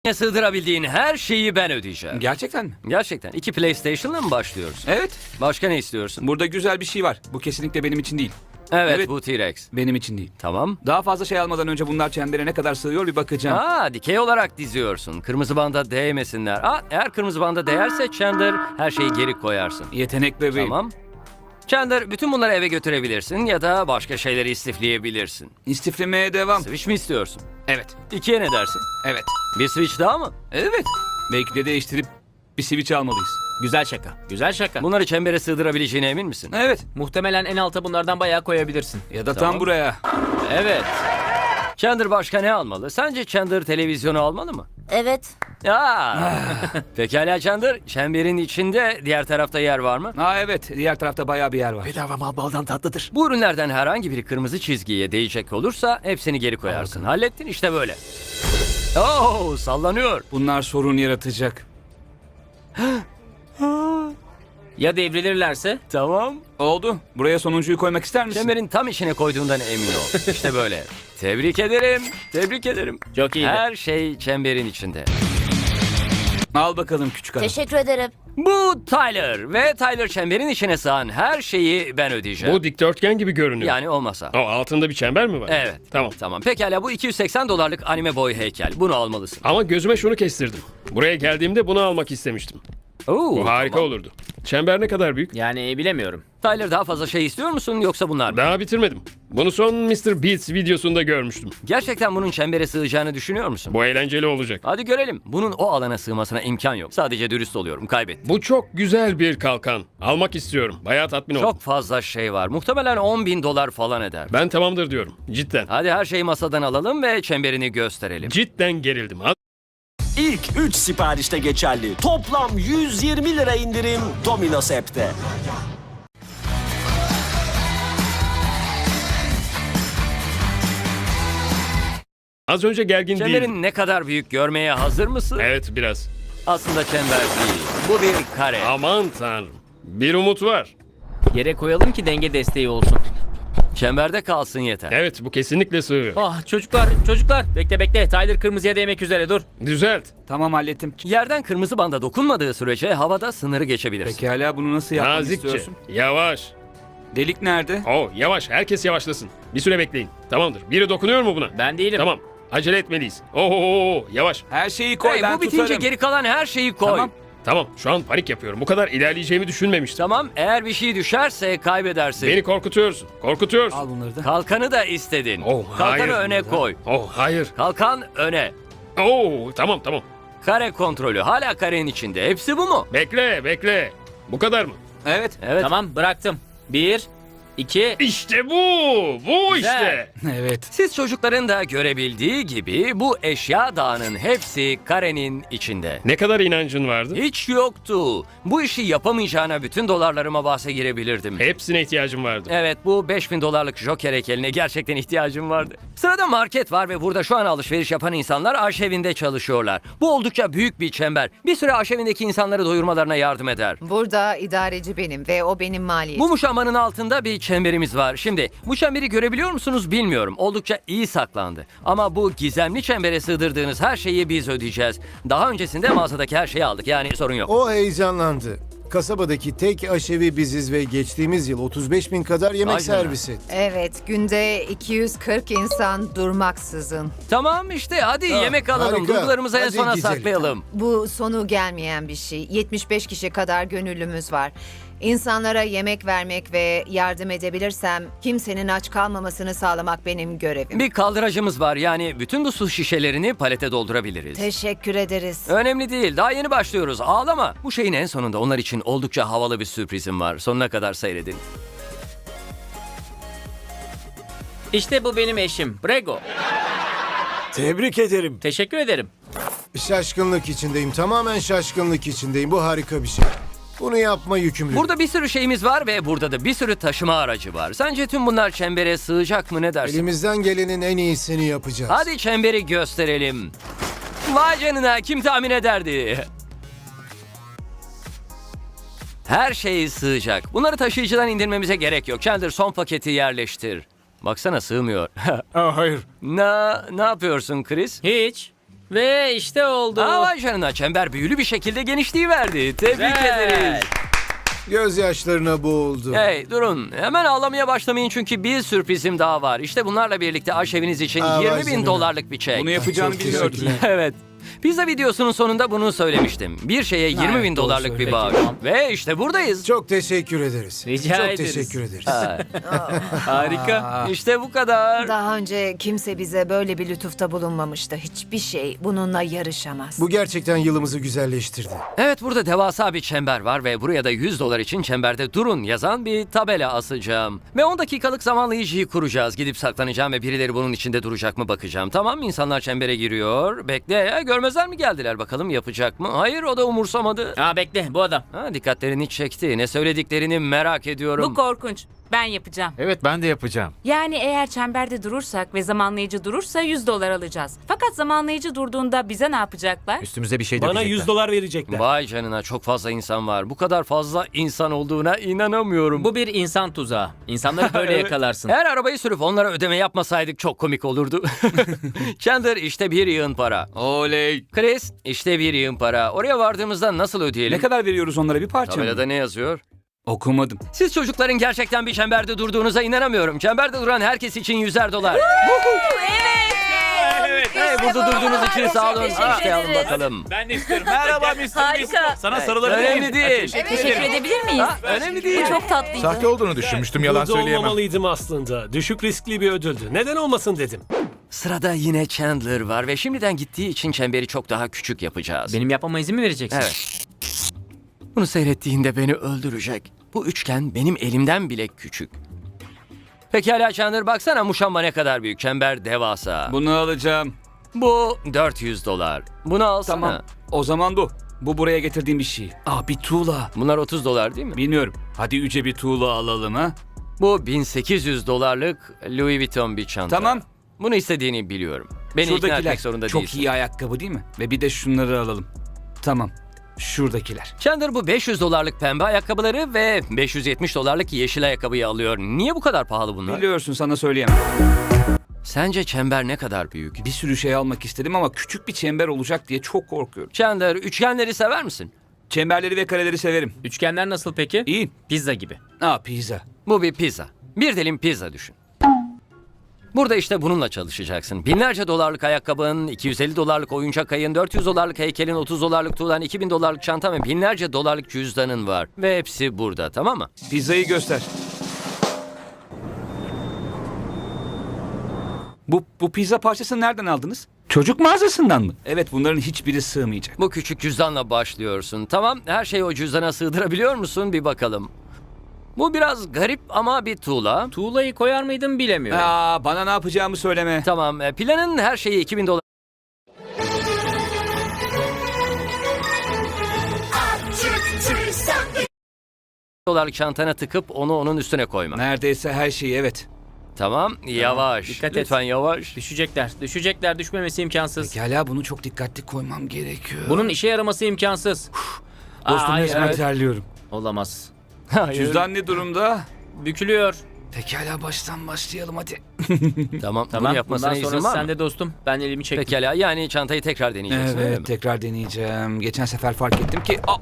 Sığdırabildiğin her şeyi ben ödeyeceğim. Gerçekten mi? Gerçekten. 2 PlayStation'la mı başlıyoruz? Evet. Başka ne istiyorsun? Burada güzel bir şey var. Bu kesinlikle benim için değil. Evet, bu T-Rex. Benim için değil. Tamam. Daha fazla şey almadan önce bunlar çembere ne kadar sığıyor bir bakacağım. Dikey olarak diziyorsun. Kırmızı banda değmesinler. Eğer kırmızı banda değerse Chandler her şeyi geri koyarsın. Yetenek bebeğim. Tamam. Chandler bütün bunları eve götürebilirsin ya da başka şeyleri istifleyebilirsin. İstiflemeye devam. Switch mi istiyorsun? Evet. 2'ye ne dersin? Evet. Bir Switch daha mı? Evet. Belki de değiştirip bir switch almalıyız. Güzel şaka. Güzel şaka. Bunları çembere sığdırabileceğine emin misin? Evet. Muhtemelen en alta bunlardan bayağı koyabilirsin. Ya da Tamam. tam buraya. Evet. Chandler başka ne almalı? Sence Chandler televizyonu almalı mı? Evet. Pekala Chandler, çemberin içinde diğer tarafta yer var mı? Evet. Diğer tarafta bayağı bir yer var. Bedava mal baldan tatlıdır. Bu ürünlerden herhangi biri kırmızı çizgiye değecek olursa hepsini geri koyarsın. Hallettin işte böyle. Sallanıyor. Bunlar sorun yaratacak. Ya devrilirlerse? Tamam. Oldu. Buraya sonuncuyu koymak ister misin? Çemberin tam içine koyduğundan emin ol. İşte böyle. Tebrik ederim. Tebrik ederim. Çok iyiydi. Her şey çemberin içinde. Al bakalım küçük adam. Teşekkür ederim. Bu Tyler ve Tyler çemberin içine sığan her şeyi ben ödeyeceğim. Bu dikdörtgen gibi görünüyor. Yani olmasa. O altında bir çember mi var? Evet. Tamam. Tamam. Pekala bu 280 dolarlık anime boy heykel. Bunu almalısın. Ama gözüme şunu kestirdim. Buraya geldiğimde bunu almak istemiştim. Bu harika tamam. olurdu. Çember ne kadar büyük? Yani bilemiyorum. Tyler daha fazla şey istiyor musun yoksa bunlar mı? Daha bitirmedim. Bunu son Mr. Beats videosunda görmüştüm. Gerçekten bunun çembere sığacağını düşünüyor musun? Bu eğlenceli olacak. Hadi görelim. Bunun o alana sığmasına imkan yok. Sadece dürüst oluyorum. Kaybettim. Bu çok güzel bir kalkan. Almak istiyorum. Bayağı tatmin oldum. Çok fazla şey var. Muhtemelen 10.000 dolar falan eder. Ben tamamdır diyorum. Cidden. Hadi her şeyi masadan alalım ve çemberini gösterelim. Cidden gerildim. İlk 3 siparişte geçerli. Toplam 120 lira indirim Domino's App'te. Az önce gergin değildim. Çemberin ne kadar büyük görmeye hazır mısın? Evet biraz. Aslında çember değil. Bu bir kare. Aman tanrım. Bir umut var. Yere koyalım ki denge desteği olsun. Çemberde kalsın yeter. Evet bu kesinlikle sığıyor. Çocuklar. Bekle. Tyler kırmızıya değmek üzere dur. Düzelt. Tamam hallettim. Yerden kırmızı banda dokunmadığı sürece havada sınırı geçebilirsin. Pekala bunu nasıl yapmak Nazikçe. istiyorsun? Yavaş. Delik nerede? Yavaş. Herkes yavaşlasın. Bir süre bekleyin. Tamamdır. Biri dokunuyor mu buna? Ben değilim. Tamam. Acele etmeliyiz. Yavaş. Her şeyi koy Hey, ben bu bitince tutarım. geri kalan her şeyi koy. Tamam. Tamam. Şu an panik yapıyorum. Bu kadar ilerleyeceğimi düşünmemiştim. Tamam, eğer bir şey düşerse kaybedersin. Beni korkutuyorsun. Korkutuyorsun. Al bunları da. Kalkanı da istedin. Kalkanı hayır. öne koy. Hayır. Kalkan öne. Tamam. Kare kontrolü hala karenin içinde. Hepsi bu mu? Bekle. Bu kadar mı? Evet. Evet. Tamam bıraktım. 1, 2. İşte bu Güzel. işte. Evet. Siz çocukların da görebildiği gibi bu eşya dağının hepsi karenin içinde. Ne kadar inancın vardı? Hiç yoktu. Bu işi yapamayacağına bütün dolarlarıma bahse girebilirdim. Hepsine ihtiyacım vardı. Evet, bu 5000 dolarlık Joker heykeline gerçekten ihtiyacım vardı. Sırada market var ve burada şu an alışveriş yapan insanlar aşevinde çalışıyorlar. Bu oldukça büyük bir çember. Bir süre aşevindeki insanları doyurmalarına yardım eder. Burada idareci benim ve o benim maliyetim. Bu muşambanın altında bir çemberimiz var. Şimdi bu çemberi görebiliyor musunuz bilmiyorum. Oldukça iyi saklandı. Ama bu gizemli çembere sığdırdığınız her şeyi biz ödeyeceğiz. Daha öncesinde mağazadaki her şeyi aldık, yani sorun yok. O heyecanlandı. Kasabadaki tek aşevi biziz ve geçtiğimiz yıl 35 bin kadar yemek Vay canına. servis etti. Evet, günde 240 insan durmaksızın. Tamam işte, hadi yemek alalım. harika. Duygularımızı en Hadi sona gidelim. saklayalım. Bu sonu gelmeyen bir şey. 75 kişi kadar gönüllümüz var. İnsanlara yemek vermek ve yardım edebilirsem kimsenin aç kalmamasını sağlamak benim görevim. Bir kaldıracımız var, yani bütün bu su şişelerini palete doldurabiliriz. Teşekkür ederiz. Önemli değil, daha yeni başlıyoruz, ağlama. Bu şeyin en sonunda onlar için oldukça havalı bir sürprizim var. Sonuna kadar seyredin. İşte bu benim eşim. Brego. Tebrik ederim. Teşekkür ederim. Şaşkınlık içindeyim. Tamamen şaşkınlık içindeyim. Bu harika bir şey. Bunu yapma yükümlülük. Burada bir sürü şeyimiz var ve burada da bir sürü taşıma aracı var. Sence tüm bunlar çembere sığacak mı, ne dersin? Elimizden gelenin en iyisini yapacağız. Hadi çemberi gösterelim. Vay canına, kim tahmin ederdi? Her şey sığacak. Bunları taşıyıcıdan indirmemize gerek yok. Chandler, son paketi yerleştir. Baksana, sığmıyor. Hayır. Ne yapıyorsun Chris? Hiç. Ve işte oldu. Aa, vay canına, çember büyülü bir şekilde genişliği verdi. Tebrik ederiz. Gözyaşlarına boğuldu. Hey durun, hemen ağlamaya başlamayın çünkü bir sürprizim daha var. İşte bunlarla birlikte aşeviniz için Aa, 20 vay bin canına. dolarlık bir çek. Bunu yapacağını Çok biliyordum. teşekkürler. Evet. Pizza videosunun sonunda bunu söylemiştim. Bir şeye 20 bin dolarlık bir bağış. Ve işte buradayız. Çok teşekkür ederiz. Rica Çok ederiz. teşekkür ederiz. Harika. İşte bu kadar. Daha önce kimse bize böyle bir lütufta bulunmamıştı. Hiçbir şey bununla yarışamaz. Bu gerçekten yılımızı güzelleştirdi. Evet, burada devasa bir çember var ve buraya da 100 dolar için çemberde durun yazan bir tabela asacağım. Ve 10 dakikalık zamanlayıcıyı kuracağız. Gidip saklanacağım ve birileri bunun içinde duracak mı bakacağım. Tamam, insanlar çembere giriyor. Bekle ya, görmezler mi geldiler, bakalım yapacak mı? Hayır, o da umursamadı. Aa bekle, bu adam. Ha, dikkatlerini çekti. Ne söylediklerini merak ediyorum. Bu korkunç. Ben yapacağım. Evet ben de yapacağım. Yani eğer çemberde durursak ve zamanlayıcı durursa 100 dolar alacağız. Fakat zamanlayıcı durduğunda bize ne yapacaklar? Üstümüze bir şey Bana dökecekler. 100 dolar verecekler. Vay canına, çok fazla insan var. Bu kadar fazla insan olduğuna inanamıyorum. Bu bir insan tuzağı. İnsanları böyle yakalarsın. Eğer arabayı sürüp onlara ödeme yapmasaydık çok komik olurdu. Chandler, işte bir yığın para. Oley. Chris, işte bir yığın para. Oraya vardığımızda nasıl ödeyelim? Ne kadar veriyoruz onlara, bir parça mı? Tabelada ne yazıyor? Okumadım. Siz çocukların gerçekten bir çemberde durduğunuza inanamıyorum. Çemberde duran herkes için 100'er dolar. Hey, burada durduğunuz için sağ olun. İşte alın bakalım. Ben de istiyorum. Merhaba Mr. Harika. Sana sarılabilir miyim? Önemli değil. Teşekkür edebilir miyiz? Önemli değil. Bu çok tatlıydı. Sahte olduğunu düşünmüştüm, yalan Burada söyleyemem. olmamalıydım aslında. Düşük riskli bir ödüldü. Neden olmasın dedim. Sırada yine Chandler var ve şimdiden gittiği için çemberi çok daha küçük yapacağız. Benim yapmama izin mi vereceksin? Evet. Bunu seyrettiğinde beni öldürecek. Bu üçgen benim elimden bile küçük. Pekala Chandler, baksana muşamba ne kadar büyük. Çember devasa. Bunu alacağım. Bu 400 dolar. Bunu alsana. Tamam. O zaman bu. Bu buraya getirdiğim bir şey. Aa, bir tuğla. Bunlar 30 dolar değil mi? Bilmiyorum. Hadi yüce bir tuğla alalım ha. Bu 1800 dolarlık Louis Vuitton bir çanta. Tamam. Bunu istediğini biliyorum. Beni ikna etmek zorunda çok değilsin. iyi ayakkabı değil mi? Ve bir de şunları alalım. Tamam. Şuradakiler. Chandler bu 500 dolarlık pembe ayakkabıları ve 570 dolarlık yeşil ayakkabıyı alıyor. Niye bu kadar pahalı bunlar? Biliyorsun, sana söyleyemem. Sence çember ne kadar büyük? Bir sürü şey almak istedim ama küçük bir çember olacak diye çok korkuyorum. Chandler, üçgenleri sever misin? Çemberleri ve kareleri severim. Üçgenler nasıl peki? İyi. Pizza gibi. Aa, pizza. Bu bir pizza. Bir dilim pizza düşün. Burada işte bununla çalışacaksın. Binlerce dolarlık ayakkabın, 250 dolarlık oyuncak ayın, 400 dolarlık heykelin, 30 dolarlık tuğlan, 2000 dolarlık çantan ve binlerce dolarlık cüzdanın var. Ve hepsi burada, tamam mı? Pizzayı göster. Bu pizza parçasını nereden aldınız? Çocuk mağazasından mı? Evet, bunların hiçbiri sığmayacak. Bu küçük cüzdanla başlıyorsun. Tamam, her şeyi o cüzdana sığdırabiliyor musun? Bir bakalım. Bu biraz garip ama bir tuğla. Tuğlayı koyar mıydım bilemiyorum. Aa, bana ne yapacağımı söyleme. Tamam, planın her şeyi 2000 dolar. Dolarlık çantana tıkıp onu onun üstüne koyma. Neredeyse her şeyi, evet. Tamam, yavaş. dikkat et. Lütfen yavaş. Düşecekler. Düşmemesi imkansız. Pekala, bunu çok dikkatli koymam gerekiyor. Bunun işe yaraması imkansız. Dostum, Aa, resmen evet. terliyorum. Olamaz. Hayır. Cüzdan ne durumda? Bükülüyor. Pekala, baştan başlayalım hadi. Tamam, Tamam. bunu yapmasına Bundan izin sonrası var mı? sende dostum. Ben elimi çektim. Pekala, yani çantayı tekrar deneyeceksin öyle mi? Evet, tekrar deneyeceğim. Geçen sefer fark ettim ki... Aa!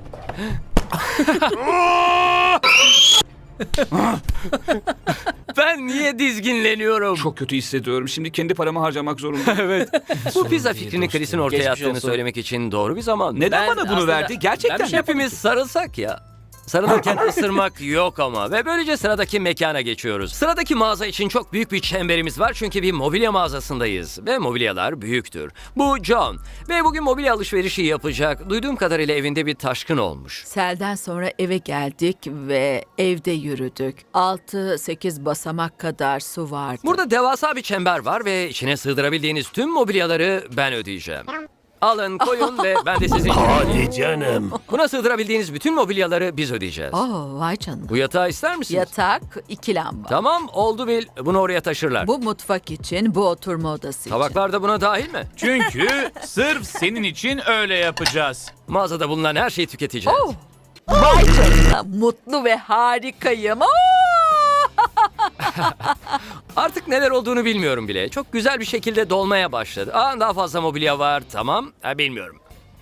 Ben niye dizginleniyorum? Çok kötü hissediyorum. Şimdi kendi paramı harcamak zorundayım. Evet. Bu pizza fikrini Chris'in ortaya Geçmiş attığını olsun. söylemek için doğru bir zaman. Neden Ben bana bunu aslında- verdi? Gerçekten ben bir şey Hepimiz sarılsak ya. Sarılırken ısırmak yok ama. Ve böylece sıradaki mekana geçiyoruz. Sıradaki mağaza için çok büyük bir çemberimiz var çünkü bir mobilya mağazasındayız. Ve mobilyalar büyüktür. Bu John. Ve bugün mobilya alışverişi yapacak. Duyduğum kadarıyla evinde bir taşkın olmuş. Selden sonra eve geldik ve evde yürüdük. 6-8 basamak kadar su vardı. Burada devasa bir çember var ve içine sığdırabildiğiniz tüm mobilyaları ben ödeyeceğim. Alın, koyun ve ben de sizin... Hadi canım. Buna sığdırabildiğiniz bütün mobilyaları biz ödeyeceğiz. Vay canına. Bu yatağı ister misiniz? Yatak, 2 lamba. Tamam, oldu bil. Bunu oraya taşırlar. Bu mutfak için, bu oturma odası için. Tabaklar da buna dahil mi? Çünkü sırf senin için öyle yapacağız. Mağazada bulunan her şeyi tüketeceğiz. Vay canına, mutlu ve harikayım. Artık neler olduğunu bilmiyorum bile. Çok güzel bir şekilde dolmaya başladı. Daha fazla mobilya var, tamam. Bilmiyorum.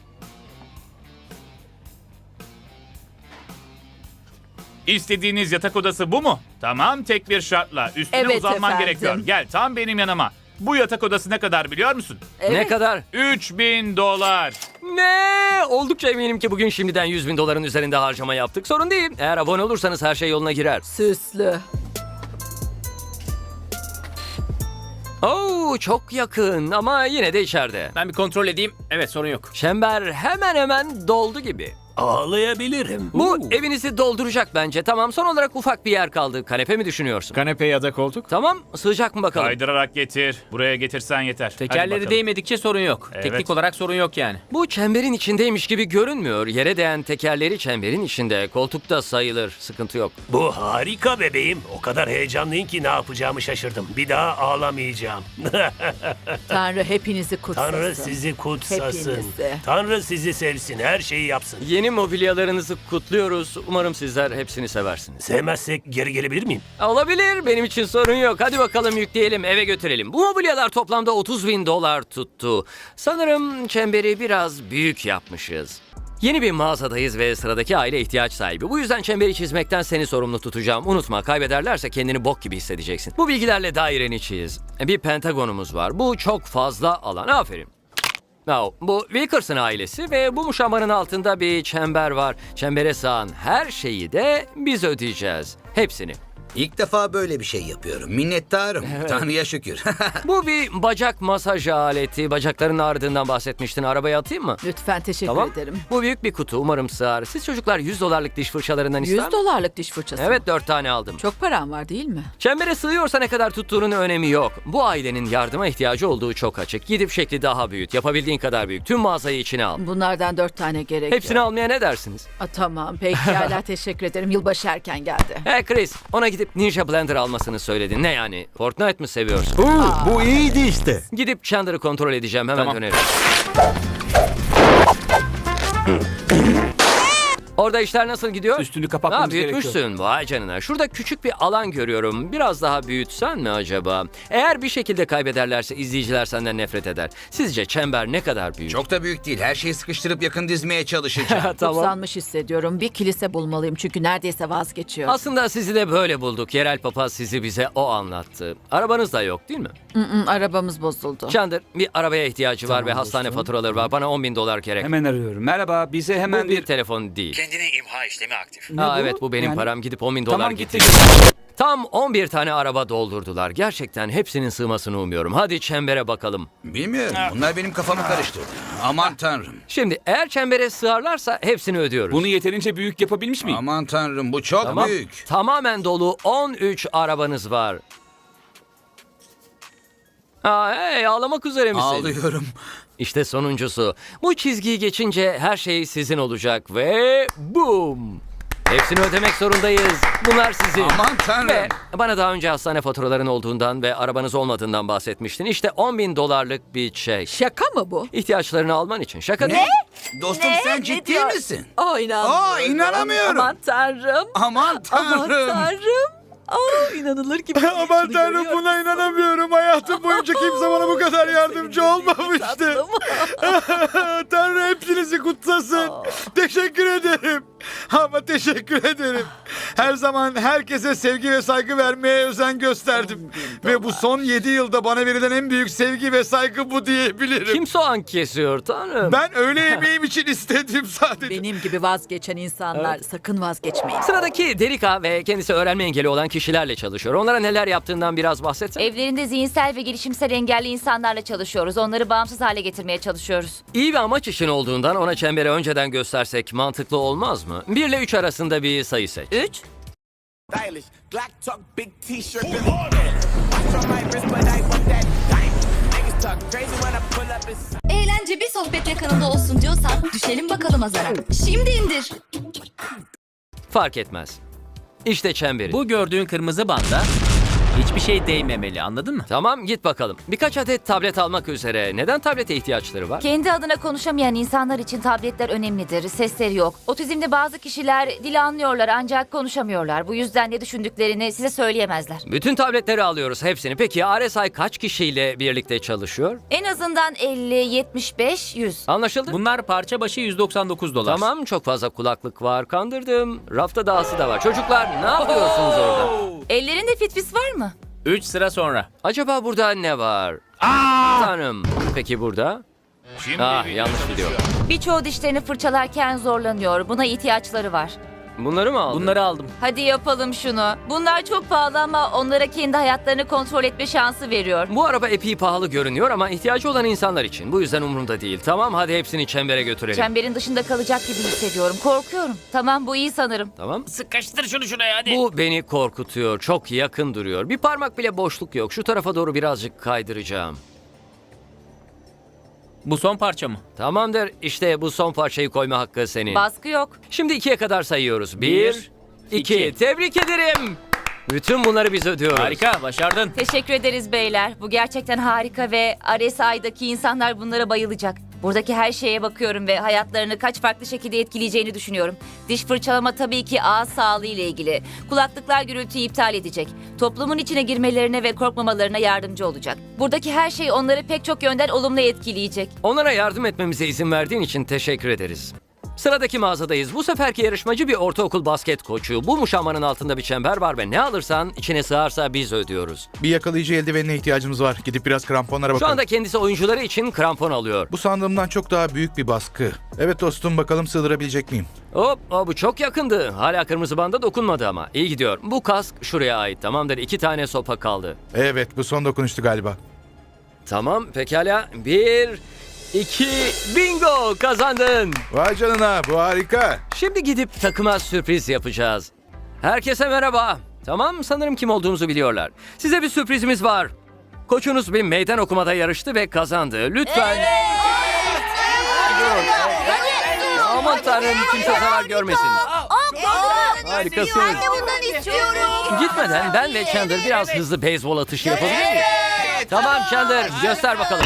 İstediğiniz yatak odası bu mu? Tamam, tek bir şartla. Üstüne Evet uzanman efendim. gerekiyor. Gel tam benim yanıma. Bu yatak odası ne kadar biliyor musun? Ne kadar? $3000. Ne? Oldukça eminim ki bugün şimdiden 100.000 doların üzerinde harcama yaptık. Sorun değil. Eğer abone olursanız her şey yoluna girer. Süslü. Oo, çok yakın ama yine de içeride. Ben bir kontrol edeyim. Evet, sorun yok. Çember hemen hemen doldu gibi. Ağlayabilirim. Bu evinizi dolduracak bence. Tamam, son olarak ufak bir yer kaldı. Kanepe mi düşünüyorsun? Kanepe ya da koltuk? Tamam, sığacak mı bakalım? Kaydırarak getir. Buraya getirsen yeter. Hadi Tekerleri bakalım. değmedikçe sorun yok. Evet. Teknik olarak sorun yok yani. Bu çemberin içindeymiş gibi görünmüyor. Yere değen tekerleri çemberin içinde. Koltukta sayılır. Sıkıntı yok. Bu harika bebeğim. O kadar heyecanlıyım ki ne yapacağımı şaşırdım. Bir daha ağlamayacağım. Tanrı hepinizi kutsasın. Tanrı sizi kutsasın. Hepinizi. Tanrı sizi sevsin. Her şeyi yapsın. Yeni mobilyalarınızı kutluyoruz. Umarım sizler hepsini seversiniz. Sevmezsek geri gelebilir miyim? Olabilir. Benim için sorun yok. Hadi bakalım yükleyelim, eve götürelim. Bu mobilyalar toplamda $30.000 tuttu. Sanırım çemberi biraz büyük yapmışız. Yeni bir mağazadayız ve sıradaki aile ihtiyaç sahibi. Bu yüzden çemberi çizmekten seni sorumlu tutacağım. Unutma, kaybederlerse kendini bok gibi hissedeceksin. Bu bilgilerle daireni çiz. Bir pentagonumuz var. Bu çok fazla alan. Aferin. Bu Wilkerson ailesi ve bu muşambanın altında bir çember var. Çembere sığan her şeyi de biz ödeyeceğiz. Hepsini. İlk defa böyle bir şey yapıyorum. Minnettarım. Tanrı'ya şükür. Bu bir bacak masaj aleti. Bacakların ağrıdığından bahsetmiştin. Arabaya atayım mı? Lütfen teşekkür Tamam. ederim. Bu büyük bir kutu. Umarım sığar. Siz çocuklar $100 diş fırçalarından ister 100 mi? dolarlık diş fırçası. Evet, 4 tane aldım. Çok param var değil mi? Çembere sığıyorsa ne kadar tuttuğunun önemi yok. Bu ailenin yardıma ihtiyacı olduğu çok açık. Gidip şekli daha büyüt. Yapabildiğin kadar büyük. Tüm mağazayı içine al. Bunlardan 4 tane gerekiyor. Hepsini almaya ne dersiniz? Tamam pekala teşekkür ederim. Yılbaşı erken geldi. Hey Chris, ona gidip Ninja Blender almasını söyledin. Ne yani? Fortnite mi seviyorsun? Bu iyiydi işte. Gidip Chandler'ı kontrol edeceğim. Hemen Tamam. dönerim. Orada işler nasıl gidiyor? Üstünü kapatmamız büyütmüşsün. gerekiyor. Vay canına. Şurada küçük bir alan görüyorum. Biraz daha büyütsen mi acaba? Eğer bir şekilde kaybederlerse izleyiciler senden nefret eder. Sizce çember ne kadar büyük? Çok da büyük değil. Her şeyi sıkıştırıp yakın dizmeye çalışacağım. Kutsanmış hissediyorum. Bir kilise bulmalıyım çünkü neredeyse vazgeçiyor. Aslında sizi de böyle bulduk. Yerel papaz sizi bize o anlattı. Arabanız da yok değil mi? Arabamız bozuldu. Chandler, bir arabaya ihtiyacı var Tamam ve hastane dostum. faturaları var. Bana $10.000 gerek. Hemen arıyorum. Merhaba, bize hemen Bu bir telefon değil. Kendine imha işlemi aktif. Ne bu? Evet, bu benim Yani- param. Gidip $10.000 Tamam, getir. gitti. Tam 11 tane araba doldurdular. Gerçekten hepsinin sığmasını umuyorum. Hadi çembere bakalım. Bilmiyorum. Bunlar benim kafamı karıştırdı. Aman tanrım. Şimdi eğer çembere sığarlarsa hepsini ödüyoruz. Bunu yeterince büyük yapabilmiş miyim? Aman tanrım. Bu çok Tamam. büyük. Tamamen dolu 13 arabanız var. Hey, ağlamak üzere misin? Ağlıyorum. İşte sonuncusu. Bu çizgiyi geçince her şey sizin olacak ve boom. Hepsini ödemek zorundayız. Bunlar sizin. Aman tanrım. Ve bana daha önce hastane faturaların olduğundan ve arabanız olmadığından bahsetmiştin. İşte $10.000'lık bir çek. Şaka mı bu? İhtiyaçlarını alman için. Şaka Ne? değil. Dostum sen ciddi diyor? misin? İnanmıyorum. İnanamıyorum. Aman tanrım. Aman Aman tanrım. tanrım. İnanılır gibi. Aman tanrım, buna inanamıyorum. Hayatım boyunca kimse bana bu kadar yardımcı olmamıştı. Tanrı hepsinizi kutsasın. Teşekkür ederim. Ama teşekkür ederim. Her zaman herkese sevgi ve saygı vermeye özen gösterdim. Ve bu son 7 yılda bana verilen en büyük sevgi ve saygı bu diyebilirim. Kim soğan kesiyor tanrım? Ben öğle yemeğim için istedim sadece. Benim gibi vazgeçen insanlar sakın vazgeçmeyin. Sıradaki Derika ve kendisi öğrenme engeli olan kişilerle çalışıyor. Onlara neler yaptığından biraz bahsetsene. Evlerinde zihinsel ve gelişimsel engelli insanlarla çalışıyoruz. Onları bağımsız hale getirmeye çalışıyoruz. İyi bir amaç için olduğundan ona çemberi önceden göstersek mantıklı olmaz mı? 1 ile 3 arasında bir sayı seç. 3. Eğlence bir sohbetle kanalda olsun diyorsan düşelim bakalım azara. Şimdi indir. Fark etmez. İşte çemberi. Bu gördüğün kırmızı banda Hiçbir şey değmemeli, anladın mı? Tamam, git bakalım. Birkaç adet tablet almak üzere. Neden tablete ihtiyaçları var? Kendi adına konuşamayan insanlar için tabletler önemlidir. Sesleri yok. Otizmli bazı kişiler dili anlıyorlar ancak konuşamıyorlar. Bu yüzden ne düşündüklerini size söyleyemezler. Bütün tabletleri alıyoruz, hepsini. Peki RSI kaç kişiyle birlikte çalışıyor? En azından 50, 75, 100. Anlaşıldı? Bunlar parça başı $199. Tamam, çok fazla kulaklık var. Kandırdım. Rafta dahası da var. Çocuklar, ne yapıyorsunuz orada? Ellerinde fitfis var mı? 3 sıra sonra. Acaba burada ne var? Tanrım. Peki burada? Yanlış video. Birçoğu dişlerini fırçalarken zorlanıyor. Buna ihtiyaçları var. Bunları mı aldın? Bunları aldım. Hadi yapalım şunu. Bunlar çok pahalı ama onlara kendi hayatlarını kontrol etme şansı veriyor. Bu araba epey pahalı görünüyor ama ihtiyacı olan insanlar için. Bu yüzden umurumda değil. Tamam, hadi hepsini çembere götürelim. Çemberin dışında kalacak gibi hissediyorum. Korkuyorum. Tamam, bu iyi sanırım. Tamam. Sıkıştır şunu şuraya hadi. Bu beni korkutuyor. Çok yakın duruyor. Bir parmak bile boşluk yok. Şu tarafa doğru birazcık kaydıracağım. Bu son parça mı? Tamamdır. İşte bu son parçayı koyma hakkı senin. Baskı yok. Şimdi 2'ye kadar sayıyoruz. 1, 2. Tebrik ederim. Bütün bunları biz ödüyoruz. Harika, başardın. Teşekkür ederiz beyler. Bu gerçekten harika ve RSI'daki insanlar bunlara bayılacak. Buradaki her şeye bakıyorum ve hayatlarını kaç farklı şekilde etkileyeceğini düşünüyorum. Diş fırçalama tabii ki ağız sağlığı ile ilgili. Kulaklıklar gürültüyü iptal edecek. Toplumun içine girmelerine ve korkmamalarına yardımcı olacak. Buradaki her şey onları pek çok yönden olumlu etkileyecek. Onlara yardım etmemize izin verdiğin için teşekkür ederiz. Sıradaki mağazadayız. Bu seferki yarışmacı bir ortaokul basket koçu. Bu muşambanın altında bir çember var ve ne alırsan içine sığarsa biz ödüyoruz. Bir yakalayıcı eldivenine ihtiyacımız var. Gidip biraz kramponlara Şu bakalım. anda kendisi oyuncuları için krampon alıyor. Bu sandığımdan çok daha büyük bir baskı. Evet dostum, bakalım sığdırabilecek miyim? Hop, bu çok yakındı. Hala kırmızı banda dokunmadı ama. İyi gidiyor. Bu kask şuraya ait. Tamamdır. 2 tane sopa kaldı. Evet, bu son dokunuştu galiba. Tamam, pekala. 1, 2, bingo, kazandın. Vay canına, bu harika. Şimdi gidip takıma sürpriz yapacağız. Herkese merhaba. Tamam, sanırım kim olduğumuzu biliyorlar. Size bir sürprizimiz var. Koçunuz bir meydan okumada yarıştı ve kazandı. Lütfen. Durun. Aman tanrım, kimse zarar görmesin. Harikasınız. Ben de bundan istiyorum. Gitmeden ben ve Chandler biraz hızlı beyzbol atışı yapabilir miyiz? Tamam Chandler, göster bakalım.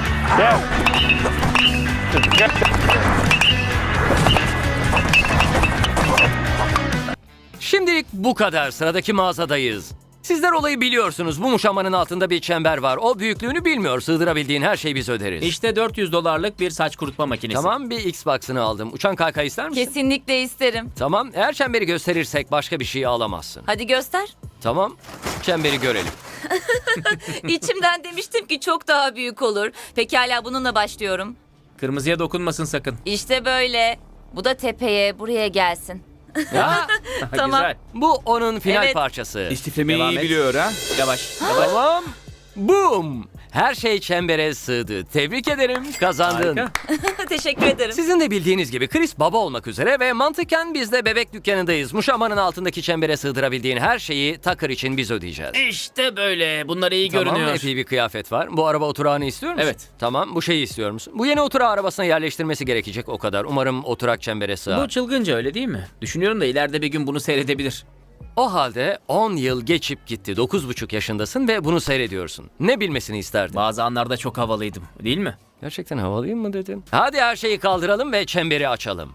Şimdilik bu kadar. Sıradaki mağazadayız. Sizler olayı biliyorsunuz. Bu muşambanın altında bir çember var. O büyüklüğünü bilmiyor. Sığdırabildiğin her şeyi biz öderiz. İşte $400'lık bir saç kurutma makinesi. Tamam, bir Xbox'ını aldım. Uçan kaykay ister misin? Kesinlikle isterim. Tamam, eğer çemberi gösterirsek başka bir şey alamazsın. Hadi göster. Tamam, çemberi görelim. İçimden demiştim ki çok daha büyük olur. Pekala, bununla başlıyorum. Kırmızıya dokunmasın sakın. İşte böyle. Bu da tepeye, buraya gelsin. Ya, Tamam. Güzel. bu onun final Evet. parçası. İstiflemeyi Devam iyi et. biliyor ha. Yavaş. Tamam. Boom. Her şey çembere sığdı. Tebrik ederim. Kazandın. Harika. Teşekkür ederim. Sizin de bildiğiniz gibi Chris baba olmak üzere ve mantıken biz de bebek dükkanındayız. Muşambanın altındaki çembere sığdırabildiğin her şeyi Tucker için biz ödeyeceğiz. İşte böyle. Bunlar iyi Tamam, görünüyor. epey bir kıyafet var. Bu araba oturağını istiyor musun? Evet. Tamam, bu şeyi istiyor musun? Bu yeni oturağı arabasına yerleştirmesi gerekecek o kadar. Umarım oturak çembere sığar. Bu çılgınca, öyle değil mi? Düşünüyorum da ileride bir gün bunu seyredebilir. O halde 10 yıl geçip gitti. 9,5 yaşındasın ve bunu seyrediyorsun. Ne bilmesini isterdin? Bazı anlarda çok havalıydım, değil mi? Gerçekten havalıyım mı dedin? Hadi her şeyi kaldıralım ve çemberi açalım.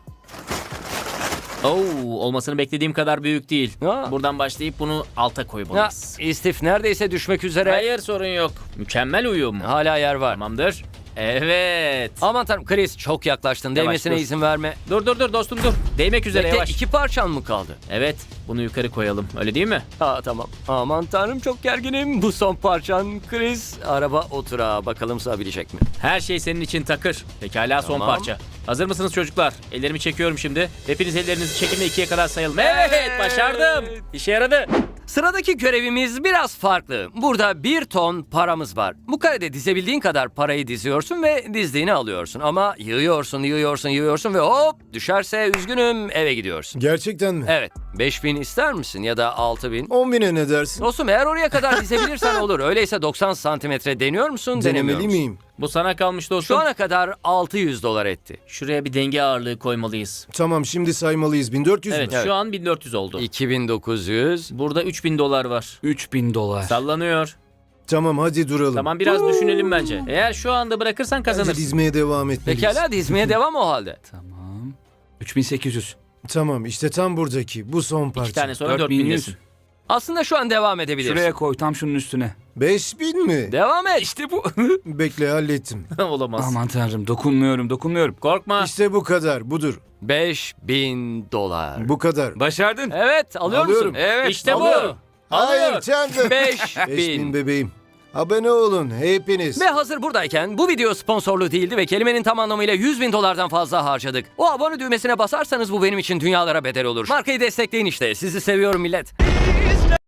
Olmasını beklediğim kadar büyük değil. Ha. Buradan başlayıp bunu alta Ya, koymalıyız. istif neredeyse düşmek üzere. Hayır, sorun yok. Mükemmel uyum. Hala yer var. Tamamdır. Evet. Aman tanrım Chris, çok yaklaştın. Yavaş, Değmesine dur. izin verme. Dur dostum dur. Değmek üzere, Bekle, yavaş. 2 parçan mı kaldı? Evet, bunu yukarı koyalım. Öyle değil mi? Tamam. Aman tanrım, çok gerginim. Bu son parçan Chris. Araba oturağı. Bakalım sığabilecek mi? Her şey senin için Takır. Pekala, son Tamam. parça. Hazır mısınız çocuklar? Ellerimi çekiyorum şimdi. Hepiniz ellerinizi çekin ve 2'ye kadar sayalım. Evet, başardım. İşe yaradı. Sıradaki görevimiz biraz farklı. Burada 1 ton paramız var. Bu karede dizebildiğin kadar parayı diziyorsun ve dizdiğini alıyorsun. Ama yığıyorsun ve hop düşerse üzgünüm eve gidiyorsun. Gerçekten mi? Evet. 5.000 ister misin ya da 6.000? 10.000'e ne dersin? Dostum eğer oraya kadar dizebilirsen olur. Öyleyse 90 santimetre deniyor musun? Denemeli denemiyor musun? miyim? Bu sana kalmış dostum. Şu ana kadar 600 dolar etti. Şuraya bir denge ağırlığı koymalıyız. Tamam, şimdi saymalıyız. 1400 Evet, mü? şu an 1400 oldu. 2900. Burada 3000 dolar var. 3000 dolar. Sallanıyor. Tamam, hadi duralım. Tamam, biraz düşünelim bence. Eğer şu anda bırakırsan Bence kazanırsın. dizmeye devam etmeliyiz. Pekala dizmeye devam o halde. Tamam. 3800. Tamam, işte tam buradaki. Bu son parça. 2 tane sonra 4100. 4000'desin. Aslında şu an devam edebilirsin. Şuraya koy, tam şunun üstüne. 5000 mi? Devam et. İşte bu. Bekle, hallettim. Olamaz. Aman tanrım, dokunmuyorum. Korkma. İşte bu kadar. Budur. 5000 dolar. Bu kadar. Başardın. Evet, alıyor musun? Alıyorum. Evet, İşte bu. alıyorum. Hayır, Chandler. 5000. 5000 bebeğim. Abone olun hepiniz. Ve hazır buradayken bu video sponsorlu değildi ve kelimenin tam anlamıyla 100.000 dolardan fazla harcadık. O abone düğmesine basarsanız bu benim için dünyalara bedel olur. Markayı destekleyin işte. Sizi seviyorum millet.